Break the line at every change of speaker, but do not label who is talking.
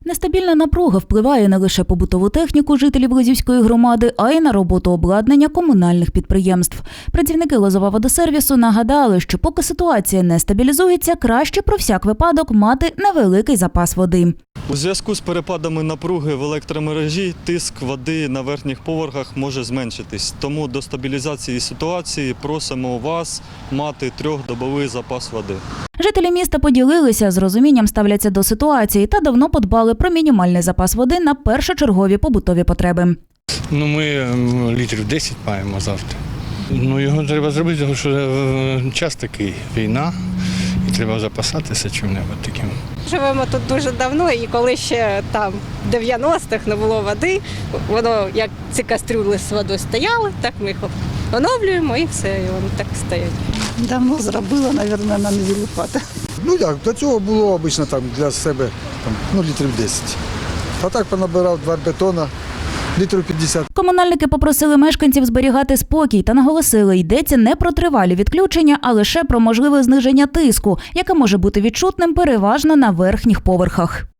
Нестабільна напруга впливає не лише побутову техніку жителів Лозівської громади, а й на роботу обладнання комунальних підприємств. Працівники Лозоваводосервісу нагадали, що поки ситуація не стабілізується, краще про всяк випадок мати невеликий запас води.
У зв'язку з перепадами напруги в електромережі тиск води на верхніх поверхах може зменшитись. Тому до стабілізації ситуації просимо вас мати 3-добовий запас води.
Жителі міста поділилися, з розумінням ставляться до ситуації та давно подбали про мінімальний запас води на першочергові побутові потреби.
Ми літрів 10 маємо завжди. Його треба зробити, тому що час такий, війна, і треба запасатися чим-небудь таким.
Живемо тут дуже давно, і коли ще там в 90-х не було води, воно як ці кастрюли з водою стояли, так ми їх оновлюємо і все, і вони так стоять.
Давно зробила, мабуть, на неділю хватить.
Як, до цього було обично там для себе літрів 10. А так понабирав 2 бетона, літрів 50.
Комунальники попросили мешканців зберігати спокій та наголосили, йдеться не про тривалі відключення, а лише про можливе зниження тиску, яке може бути відчутним переважно на верхніх поверхах.